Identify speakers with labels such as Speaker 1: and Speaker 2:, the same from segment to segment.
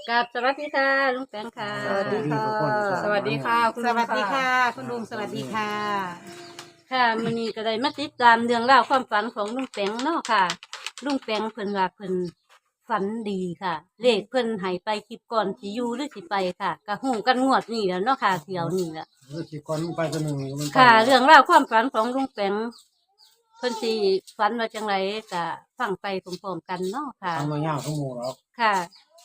Speaker 1: กับสวัสดีค่ะลุงแปงค่ะ
Speaker 2: สวัสดีค่ะ
Speaker 3: สวัสดีค่ะคุณ
Speaker 2: ส
Speaker 3: ลุง
Speaker 2: วัสดีค่ะ คุณลุงสวัสดีค่ะ
Speaker 1: ค่ะมื้อนี้ก็ได้มาติดตามเรื่องราวความฝันของลุงแปงเนาะค่ะลุงแปงเพิ่นว่าเพิ่นฝันดีค่ะ เลขเพิ่นให้ไปคลิปก่อนสิอยู่หรือสิไปค่ะก็ฮู้กันงวดนี้แล้วเนาะค่ะเที่ยวนี้ละ
Speaker 3: สิก่อนมึงไปตัวหนึ่งมันไป
Speaker 1: ค่ะ เรื่องราวความฝันของลุงแปงเพิ่นสิฝันว่าจังไรก็ฟังไปพร้อมๆกันเนาะค่ะ
Speaker 3: ทำมายากทั้งหมู่หรอก
Speaker 1: ค่ะ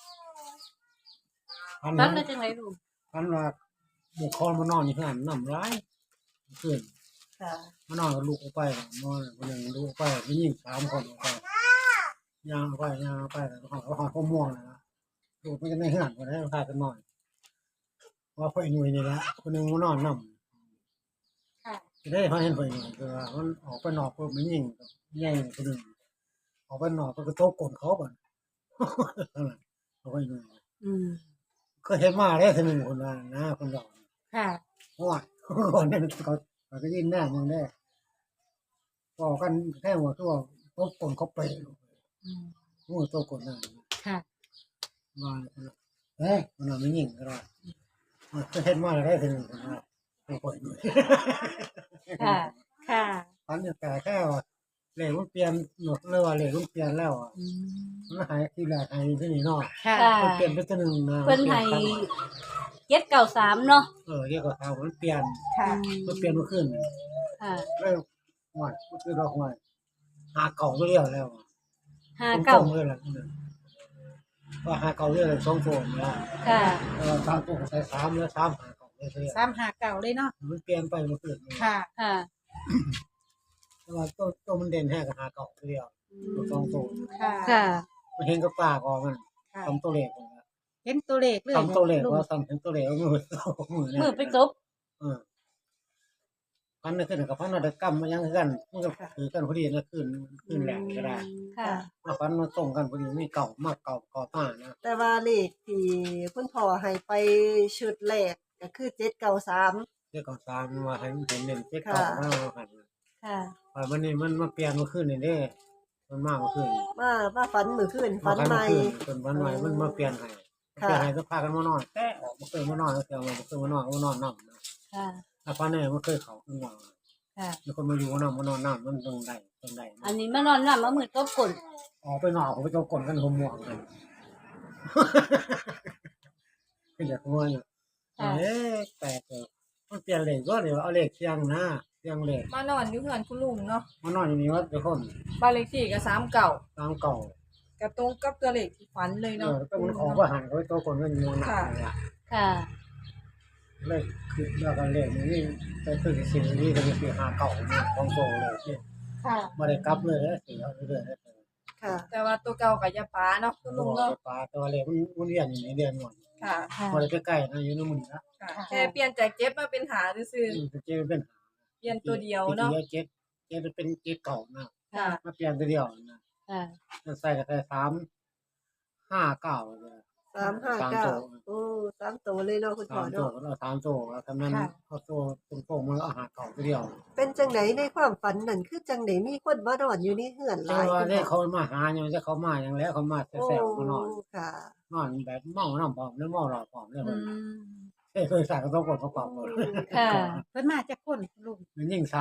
Speaker 1: ฝั
Speaker 3: พัน
Speaker 1: น
Speaker 3: นั้น
Speaker 1: ว่าจังไรลุง
Speaker 3: พันว่าบุกคอนมานอนอยู่ข้างหลังน้ำร้ายขึ้น
Speaker 2: ค่ะ
Speaker 3: มานอนกับลูกออกไปนอนคนหนึ่งลูกออกไปไม่ยิ่ง3 คนออกไปย่างออกไปย่างออกไปแล้วเขาม่วงนะลูกมันจะไม่ข้างหลังคนนั้นพากันนอนว่าพ่อหนุ่ยนี่แหละคนหนึ่งมานอนน้ำ
Speaker 1: ค่ะ
Speaker 3: จะได้พาเห็นพ่อหนุ่ยคือว่ามันออกไปนอกก็ไม่ยิ่งใหญ่คนหนึ่งออกไปนอกก็โต๊ะกลนเขาบ่นั่นแหละพ่อหนุ่ย
Speaker 1: อืม
Speaker 3: ก็เห็นมาได้ทีหนึ่งคนว่านะคนเรา
Speaker 1: ค่ะ
Speaker 3: เพราะว่าก่อนนั้นเขาก็ยินหน้ามึงได้บอกกันแค่ว่าตัวตบคนเขาไป
Speaker 1: อืม
Speaker 3: งูตัวคนนั้น
Speaker 1: ค่ะ
Speaker 3: มาเฮ้ยมันไม่ยิงก็ได้ก็เห็นมาได้ทีหนึ่งคนว่าตัวคนด้วย
Speaker 1: ค่ะ ค่ะ
Speaker 3: ตอนนี้แต่แค่ว่าเหล็กมันเปลี่ยนหนวดเลยว่าเหล็กมันเปลี่ยนแล้วอ่ะ
Speaker 1: อืม
Speaker 3: มันหายที่แรกหายที่นี่เนาะ
Speaker 2: ค่ะ
Speaker 1: ค่ะ
Speaker 3: มันเปลี่ยนไปตัวหนึ่งนะ
Speaker 1: เพิ่นให้793เนาะ
Speaker 3: เรียกว่าทางมันเปลี่ยน
Speaker 2: ค่ะ
Speaker 3: มันเปลี่ยนมาขึ้น
Speaker 1: ค่ะ
Speaker 3: แล้วหวานก็คือดอกหวานหาเก่าก็เรียกแล้ว
Speaker 1: 59
Speaker 3: ตรงๆเลยล่ะว่าหาเก่าเรียกเลย2 ตัวนะ
Speaker 1: ค่ะ
Speaker 3: 3 ตัวใส่3แล้ว3หาเก่าเลย
Speaker 2: 359เลยเนาะ
Speaker 3: มันเปลี่ยนไปมันขึ้น
Speaker 2: ค่ะ
Speaker 1: ค่ะ
Speaker 3: แต่ว่าตัวมันเด่นแค่กับหาเก่าเรียกตัว2 ตัว
Speaker 2: ค่ะ
Speaker 1: ค่ะ
Speaker 3: มันเห็นกับปากออกมัน
Speaker 2: ค่ะ
Speaker 3: ทำตัวเลข
Speaker 2: เห็นตัวเลขเลย
Speaker 3: ทำตัวเลข
Speaker 2: ลุง
Speaker 3: ว่าทำเห็นตัวเลขมือ
Speaker 1: มือไปตบ
Speaker 3: พันนึงขึ้นกับพันนัดกรรมมันยังกันมันก็ถือกันพอดีนะขึ้นแหลกก็ได้
Speaker 1: ค่ะ
Speaker 3: มาพันมาตรงกันพอดีไม่เก่ามากเก่าต่างนะ
Speaker 4: แต่ว่าเลขที่คุณพ่อให้ไปชุดแรกก็คือ793
Speaker 3: เรียกก่อน3มาให้เห็นเด่นเจ๊เก่ามาหัน
Speaker 1: ค่ะ
Speaker 3: ว่ามันนี่มันมาเปลี่ยนมาขึ้นนี่เด้มันมากมาขึ้น
Speaker 4: มาฝันมื้อคืนฝันใหม่
Speaker 3: จนวันใหม่มันมาเปลี่ยนให้เปลี่ยนให้ก็พากันมานอนแต่ออกมาเคยมานอนแต่มาเคยมานอนมานอนน้ำนะ
Speaker 1: ค่ะ
Speaker 3: ถ้าพันนี่มันเคยเขาขึ้นมา
Speaker 1: ค่ะ
Speaker 3: มีคนมาอยู่น้ำมานอนน้ำมันตรงใด
Speaker 1: อันนี้มานอนน้ำมามือตบกล
Speaker 3: ออกไปนอกผมไปเจ้ากลกันหัวหมวกกันก็อยากหัวอยู่แปลกเลยมันเปลี่ยนเลขก็เดี๋ยวเอาเลขเชียงนะเชียงเลข
Speaker 5: มานอนอยู่เฮือนคุณลุงเนาะ
Speaker 3: มานอนอยู่นี่ว่าเดี๋ยวคน
Speaker 5: บ้านเลขที่ก็39
Speaker 3: ตามเก่า
Speaker 5: ก็ตรงกับตัวเลขที่ฝันเลยเนาะ
Speaker 3: ก็มันของว่าหันเขาไปเจ้ากลกันอยู่หนักเลย
Speaker 1: ค่ะ
Speaker 3: เลขคือเรื่องกันเลขนี่ไปคือสิ่งนี้ก็มีหาเก่าของโตเลยที่
Speaker 1: ค่ะ
Speaker 3: มาได้กลับเลยนะสิเอาเรื่อยๆ
Speaker 4: ค่ะ
Speaker 5: แต่ว่าตัวเก่าก็อย่าปาเนาะคุณลุงเนาะ
Speaker 3: ปลาตัวเลขมันเรียนอยู่ในเดือนหมด
Speaker 5: ค่ะ
Speaker 1: ค่ะ
Speaker 3: มาได้ใกล้ๆนะอยู่ในมือนะ
Speaker 5: ค่ะแค่เปลี่ยนจากเจ็บมาเป็นหาซื่อ
Speaker 3: เจ๊เป็น
Speaker 5: ๆเปลี่ยนตัวเดียวเนาะ
Speaker 3: เจ๊เป็นเจ๊เก่านะ
Speaker 5: ค่ะ
Speaker 3: มาเปลี่ยนตัวเดียวนะ
Speaker 1: ค่ะ
Speaker 3: ใส่ก็ใส่359เลย
Speaker 4: 359โอ้3ตัวเลยเนาะคุณพ่อ
Speaker 3: 3 ตัว
Speaker 4: เนาะ
Speaker 3: แล้ว3 ตัวแล้วทำนั้นเอาตัวตรงๆมันเอาหาเก่าตัวเดียว
Speaker 4: เป็นจังไดในความฝันนั่นคือจังไดมีคนมานอนอยู่ในเฮือนห
Speaker 3: แต่
Speaker 4: ลาย
Speaker 3: ว่า
Speaker 4: คุณ
Speaker 3: ได้
Speaker 4: พ่อ
Speaker 3: เขามาหาอย่างนี้เขามาอย่างแล้วเขามาแซวๆมานอน
Speaker 4: ค่ะ
Speaker 3: นอนแบบเมาน้ำผอมแล้วเมาหลอดผอมเลย
Speaker 5: อื
Speaker 3: เพิ่น
Speaker 5: ม
Speaker 3: เคยใส่กระต้องกดเขาปรับหมด
Speaker 1: ค่ะ
Speaker 2: เพิ่นมาจากคนลุง
Speaker 3: มันยิ่ง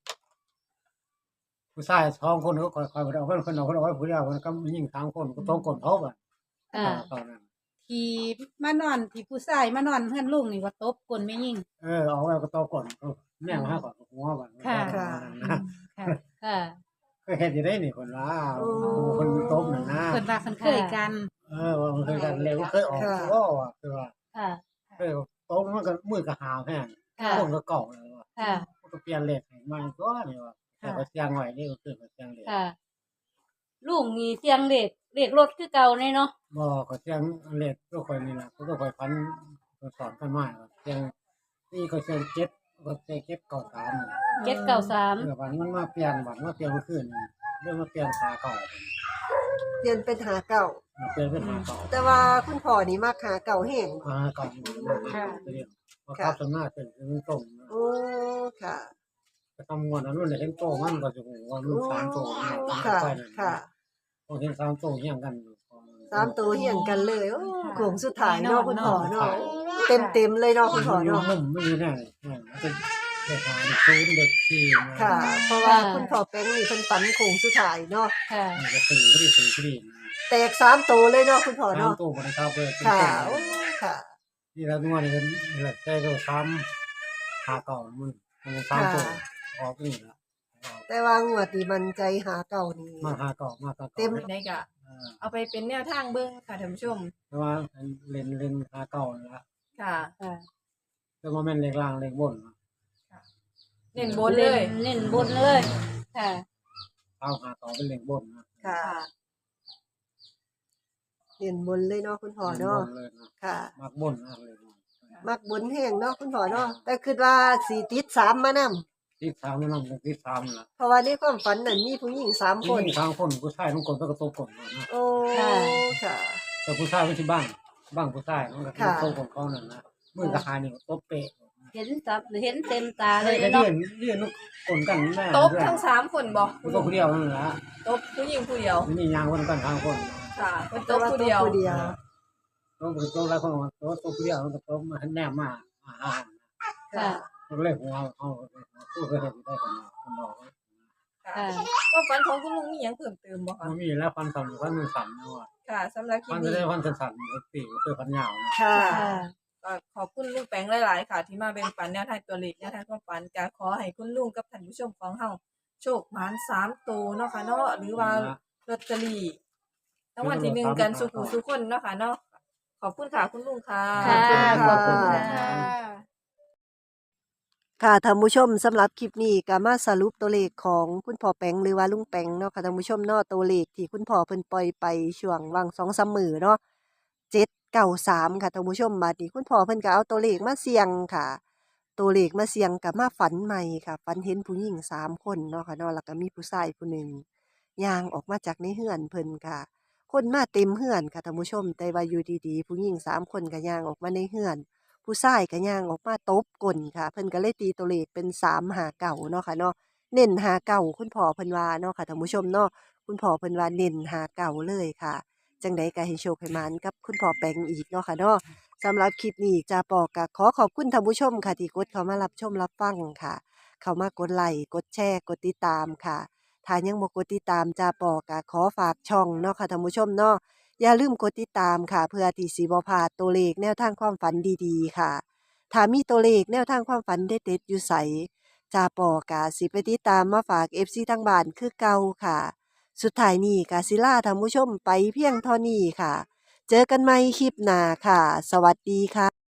Speaker 3: 3ผู้ชาย2 คนเขาคอยๆเอาเพิ่นคนเอาไว้ผู้เดียวมันก็ยิ่ง3 คนก็ต้องกดเขาบ่
Speaker 1: ค่ะ
Speaker 3: ตอนนั้น
Speaker 2: ที่มานอนที่ผู้ชายมานอนเฮือนลุงนี่ว่าตบกลไม่ยิ่ง
Speaker 3: เอาไว้ก็ต้องกดแม่มาหาก่อนหัวบ่
Speaker 2: ค่ะ
Speaker 4: ค่ะ
Speaker 2: ค่ะ
Speaker 1: ค่ะ
Speaker 3: เคยเฮ็ดอยู่ได้นี่คนว่าคนตบนั่นนะ
Speaker 2: เพิ่นว่าเพิ่นเคยกัน
Speaker 3: ว่ามันเคยกันเลยมันเคยออกก็ว่าคือว่า
Speaker 1: ค่ะ
Speaker 3: เคยตบมันก็มือก็หาวแห้ง
Speaker 1: ค่ะ
Speaker 3: คนก็เก่าเลยว่า
Speaker 1: ค่ะ
Speaker 3: มันก็เปลี่ยนเลขให้ใหม่ก็นี่ว่าแต่ก็เสียงไว้นี่ก็คือเสียงเลข
Speaker 1: ค่ะ ลุงมีเสียงเด็กรถคือเก่าแน่เนาะ
Speaker 3: บ่ก็เสียงเลขก็ค่อยนี่ล่ะก็ค่อยพันสอนกันมาเสียงนี่ก็เสียง7ก็เสียง7 9 3
Speaker 1: 793
Speaker 3: วันมันมาเปลี่ยนวันมาเปลี่ยนเมื่อคืนเรื่องมาเปลี่ยนขาเก่า
Speaker 4: เปลี่ยนเป็นหาเก่า
Speaker 3: เปลี่ยนเป็นขาเก่า
Speaker 4: แต่ว่าคุณพ่อนี่มักหาเก่าแห้ง
Speaker 3: ขาเก่าเรียกว่าครับสำนักเป็นมันตรง
Speaker 4: โอ้ค่ะ
Speaker 3: จะทำงานนั้นมันเห็นโตมันก็จะว่ามัน3 โต
Speaker 4: ค่ะ ค่ะ
Speaker 3: พอเห็น3 โตเฮียงกัน
Speaker 4: 3ตัวเฮียงกันเลยโอ้
Speaker 2: ค่ะ
Speaker 4: โค้งสุดท้ายเนาะคุณพ่อเนาะ
Speaker 3: ค่ะ
Speaker 4: เต็มๆเลยเนาะคุณพ่อ
Speaker 3: อยู่
Speaker 4: เนาะ
Speaker 3: มุมไม่มีแน่มันจะเด็กหาเด็กศูนย์เด็กสี่
Speaker 4: ค่ะ เพราะว่าคุณพ่อแป้งนี่เพิ่นฝันโค้งสุดท้ายเนาะ
Speaker 1: ค่ะ
Speaker 3: มันก็สี่ก็ดีสี่ก็ดี
Speaker 4: แตก3ตัวเลยเนาะคุณพ่อ
Speaker 3: สาม
Speaker 4: เนาะ
Speaker 3: ตัวบนเท้าเลย
Speaker 4: ค่ะโอ้ค่ะ
Speaker 3: นี่แล้วนวดนี่นี่แหละแต่ก็ซ้ำหาเก่ามันซ้ำตัวออกนี่ละ
Speaker 4: แต่ว่างวดนี้มันใจหาเก่านี่
Speaker 3: มาหาเก่ามาเก่า
Speaker 4: เต็ม
Speaker 5: ได้ก็เอาไปเป็นแนวทางเบิ่งค่ะท่านผู้ชม
Speaker 3: แต่ว่าเล่นหาเก่านี่ละ
Speaker 5: ค่ะ
Speaker 1: ค่ะ
Speaker 3: แต่ว่าแม่นเล็กล่างเล็กบน
Speaker 5: เน้นบนเลย
Speaker 1: เน้นบนเลย ค่ะ
Speaker 3: เอาหาเก่าเป็นเล็กบนนะ
Speaker 4: ค่ะ
Speaker 5: ค่ะ
Speaker 4: เห็นบนเลยเนาะคุณพ่อเนาะ
Speaker 3: เลยนะ
Speaker 4: ค่ะ
Speaker 3: มักบนนะเลย
Speaker 4: มักบนแห้งเนาะคุณพ่อเนาะแต่คิดว่าสิติด3มานำ
Speaker 3: ที่สามนั่นที่สามละ
Speaker 4: เพราะว่าในความฝันนั้นมีผู้หญิง3คน
Speaker 3: ทางคนผู้ชายต้องกดก็ตบกดนะ
Speaker 4: โอ้ค่ะ
Speaker 3: แต่ผู้ชายไม่ใช่บ้างผู้ชายมันก็
Speaker 4: ค่ะ
Speaker 3: ตบของเขานั่นนะมือกับหานี่ตบเปะ
Speaker 1: เห็นจับเห็นเต็มตาเลย
Speaker 3: เรีย
Speaker 1: เนาะ
Speaker 3: นเรียนคนกันแม่
Speaker 5: ตบทั้ง3คนบ่
Speaker 3: ผู้ตัวผู้เดียวนั่นแหละ
Speaker 5: ตบผู้หญิงผู้เดียว
Speaker 3: นี่ยางคนกันทางคน
Speaker 5: ค่ะเพิ่นต
Speaker 4: แต่
Speaker 5: บ
Speaker 4: ว่า
Speaker 5: ผู้เดียว
Speaker 4: ผู้เดียว
Speaker 3: ต้องไปตัวแล้วคนตัวผู้เดียวมันก็ตบมาแนมมา
Speaker 4: ค่ะ
Speaker 1: ค่ะ
Speaker 3: ก็เลยหัวเอาผู้เคยได้ได้คนบอก
Speaker 5: ค่ะ
Speaker 1: ค่ะ
Speaker 5: ความฝันของคุณลุงมีหยังเพิ่มเติมบ่คะ
Speaker 3: มันมีแล้วพันสั่นพันมันสั่นนะว่า
Speaker 5: ค่ะสำหรับคลิ
Speaker 3: พั
Speaker 5: ป
Speaker 3: นจะ
Speaker 5: นี้
Speaker 3: ได้พันสั่นตีก็คือพันยาวนะ
Speaker 4: ค่ะ
Speaker 1: ค่ะ
Speaker 5: ก็ขอบคุณลุงแปงหลายๆค่ะ ที่มาแบ่งปันแนวทางตัวเลขแนวทางความฝันก็ขอให้คุณลุงกับท่านผู้ชมของเฮาโชคหมาน3ตัวเนาะค่ะเนาะหรือว่าลอตเตอรี่รางวัลที่1กันสุขุสุขคนเนาะค่ะเนาะขอบคุณค่ะคุณลุงค่ะ
Speaker 1: ค่ะขอบคุณ
Speaker 4: ค่ะ
Speaker 1: ค่ะ
Speaker 4: ค่ะท่านผู้ชมสำหรับคลิปนี้ก็มาสรุปตัวเลขของคุณพ่อแปงหรือว่าลุงแปงเนาะค่ะท่านผู้ชมเนาะตัวเลขที่คุณพ่อเพิ่นปล่อยไปช่วงวัง2-3มื้อเนาะ793ค่ะท่านผู้ชมบัดนี้คุณพ่อเพิ่นก็เอาตัวเลขมาเสี่ยงค่ะ ตัวเลขมาเสี่ยงก็มาฝันใหม่ค่ะฝันเห็นผู้หญิง3คนเนาะค่ะเนาะแล้วก็มีผู้ชายผู้หนึ่งย่างออกมาจากในเฮือนเพิ่นค่ะ คนมาเต็มเฮือนค่ะท่านผู้ชมแต่ว่าอยู่ดีๆผู้หญิง3คนก็ย่างออกมาในเฮือน ผู้ชายก็ย่างออกมาตบก้นค่ะ เพิ่นก็เลยตีตัวเลขเป็น359เนาะค่ะเนาะเน้น59คุณพ่อเพิ่นว่าเนาะค่ะท่านผู้ชมเนาะคุณพ่อเพิ่นว่าเน้น59เลยค่ะ จังใดก็ให้โชคให้หมานกับคุณพ่อแปงอีกเนาะค่ะเนาะสำหรับคลิปนี้จาปอก็ขอขอบคุณท่านผู้ชมค่ะที่กดเข้ามารับชมรับฟังค่ะ เข้ามากดไลค์กดแชร์กดติดตามค่ะถ้ายังบ่กดติดตามจาปอก็ขอฝากช่องเนาะค่ะท่านผู้ชมเนาะ อย่าลืมกดติดตามค่ะ เพื่อที่สิบ่พลาดตัวเลขแนวทางความฝันดีๆค่ะ ถ้ามีตัวเลขแนวทางความฝันเด็ดๆอยู่ไสจาปอกาสิไปติดตามมาฝาก FC ทางบ้านคือเก่าค่ะ สุดท้ายนี้กาศิลาท่านผู้ชมไปเพียงเท่านี้ค่ะ เจอกันใหม่คลิปหน้าค่ะ สวัสดีค่ะ